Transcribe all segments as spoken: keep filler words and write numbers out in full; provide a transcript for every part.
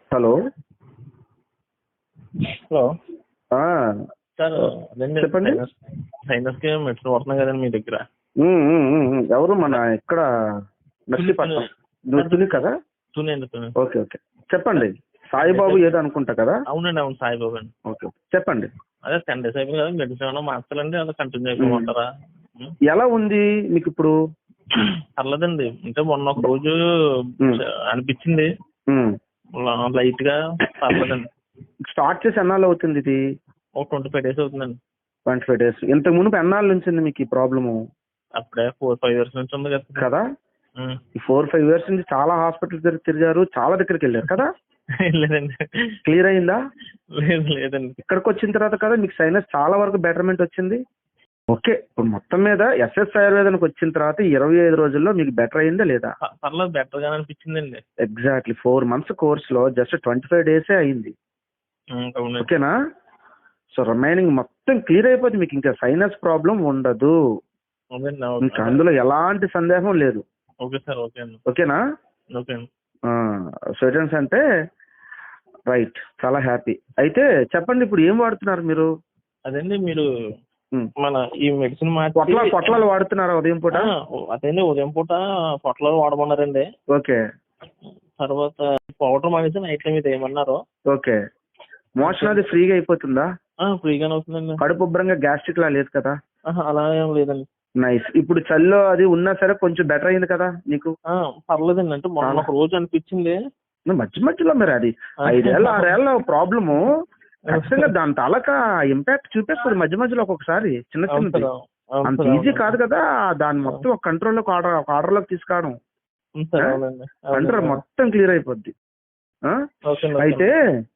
Hello hello ఆ, sir అదండి చెప్పండి. సైనస్ సైనస్కి మెడిసిన్ వాడుతున్నాం కదండి మీ దగ్గర. ఉమ్, ఉమ్, ఉమ్, ఉమ్. ఎవరు మన ఇక్కడ నర్సీపట్నం నువ్వు తుని కదా? తుని అండి తుని. ఓకే ఓకే చెప్పండి. సాయిబాబు ఏదో అనుకుంటా కదా? అవునండి అవును సాయిబాబు అండి. ఓకే ఓకే చెప్పండి. అదే టెన్ డేస్ అయిపోయింది కదా, మెడిసిన్ ఏమైనా మార్చాలండి, అలా కంటిన్యూ అయిపోమంటారా? ఉం? ఎలా ఉంది మీకు ఇప్పుడు? పర్లేదండి, అంటే మొన్న ఒక రోజు ఉమ్, అనిపించింది ఉమ్. లైట్ గా. పర్లేదండి. స్టార్ట్ చేసి ఎన్నాళ్ళు అవుతుంది ఇది? ఒక ట్వంటీ ఫైవ్ డేస్ అవుతుందండి. ట్వంటీ ఫైవ్ డేస్ ఇంతకు మునుపు ఎన్నాళ్ళ నుంచి ఉంది మీకు ఈ ప్రాబ్లము? అప్పుడే ఫోర్ ఫైవ్ ఇయర్స్ నుంచి ఉంది కదా. కదా ఉం. ఈ ఫోర్ ఫైవ్ ఇయర్స్ నుంచి చాలా హాస్పిటల్ దగ్గర తిరిగారు, చాలా దగ్గరికి వెళ్ళారు కదా? లేదండి. క్లియర్ అయిందా? లేదు లేదండి. ఇక్కడికి వచ్చిన తర్వాత కదా మీకు సైనస్ చాలా వరకు బెటర్మెంట్ వచ్చింది. ఓకే, ఇప్పుడు మొత్తం మీద ఎస్ఎస్ ఆయుర్వేదానికి వచ్చిన తర్వాత ఇరవై ఐదు రోజుల్లో మీకు బెటర్ అయిందా లేదా? ప- పర్లేదు, బెటర్ గానే అనిపించిందండి. ఎగ్జాక్ట్లీ ఫోర్ మంత్స్ కోర్స్ లో జస్ట్ ట్వంటీ ఫైవ్ డేసే అయింది. ఉం, అవునండి. ఓకేనా? సో రిమైనింగ్ మొత్తం క్లియర్ అయిపోతుంది, మీకు ఇంకా సైనస్ ప్రాబ్లం ఉండదు. అవునండి ఇంకా అవును. అందులో ఎలాంటి సందేహం లేదు. ఓకే సార్, ఓకే అండి. ఓకేనా? ఓకే అండి. స్టూడెంట్స్ అంటే రైట్, చాలా హ్యాపీ. అయితే చెప్పండి, ఇప్పుడు ఏం వాడుతున్నారు మీరు? అదండి మీరు ఉమ్. మన ఈ మెడిసిన్ పొట్ల మార్చి పొట్లాలు వాడుతున్నారా ఉదయం పూట? ఆ, అదేండి ఉదయం పూట పొట్టలో వాడమన్నారండి. ఓకే తర్వాత పౌడర్ మానేసి నైట్ లో మీరు ఏమన్నారు. ఓకే మోషన్ అది ఫ్రీగా అయిపోతుందా? ఫ్రీగానే అవుతుందండి. కడుపు ఉబ్బరంగా గ్యాస్ట్రిక్ లా లేదు కదా? ఆహా, అలా ఏం లేదండి. నైస్. ఇప్పుడు చల్లో అది ఉన్నా సరే కొంచెం బెటర్ అయింది కదా నీకు? ఆ, పర్లేదండి, అంటే మొన్న చాలా. ఒక రోజు అనిపించింది. మధ్య మధ్యలో మరి అది ఐదేళ్ళ ఆరేళ్ళ ప్రాబ్లము ఖచ్చితంగా దాని తాలూకా ఇంపాక్ట్ చూపిస్తుంది మధ్య మధ్యలో ఒక్కొక్కసారి చిన్న అవును చిన్నది. సార్, అవును అంత సార్, ఈజీ అవును. కాదు కదా దాన్ని మొత్తం ఒక కంట్రోల్లోకి ఆర్డర్ ఒక ఆర్డర్లోకి తీసుకురావడం. అవును సార్, అవునండి, కంట్రోల్ అవునండి. మొత్తం క్లియర్ అయిపోద్ది. ఆ? ఓకే అండి, ఓకే అయితే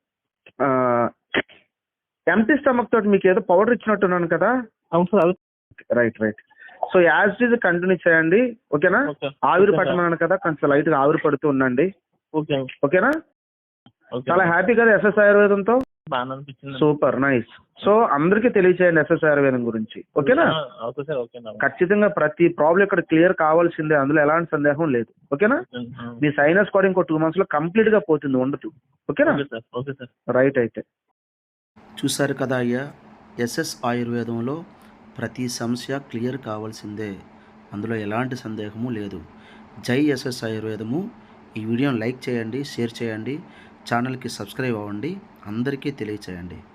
అండి. ఎంటీ స్టమక్ తోటి మీకు ఏదో పౌడర్ ఇచ్చినట్టున్నాను కదా? అవును సార్, అది right right. So as it is continue చేయండి. ఓకేనా? ఓకే. ఆవిరి ఓకే సార్. పట్టమన్నాను కదా, కొంచెం లైట్ గా ఆవిరి పడుతూ ఉండండి. ఓకే అండి. ఓకేనా? ఓకే చాలా అండి. హ్యాపీ కదా ఎస్ఎస్ ఆయుర్వేదంతో? బాగానే అనిపించింది. Super nice. సో అందరికీ తెలియచేయండి ఎస్ఎస్ ఆయుర్వేదం గురించి. ఓకేనా? ఓకే సార్, ఓకే అండి. ఖచ్చితంగా ప్రతి ప్రాబ్లం ఇక్కడ క్లియర్ కావాల్సిందే, అందులో ఎలాంటి సందేహం లేదు. ఓకేనా? మీ సైనస్ కూడా ఇంకో టూ మంత్స్ లో కంప్లీట్ గా పోతుంది, ఉండదు. ఓకేనా? Okay sir, okay sir. Right. అయితే చూశారు కదా అయ్యా, ఎస్ఎస్ ఆయుర్వేదంలో ప్రతి సమస్య క్లియర్ కావాల్సిందే, అందులో ఎలాంటి సందేహము లేదు. జై ఎస్ఎస్ ఆయుర్వేదము. ఈ వీడియోని లైక్ చేయండి, షేర్ చేయండి, ఛానల్కి సబ్స్క్రైబ్ అవ్వండి, అందరికీ తెలియచేయండి.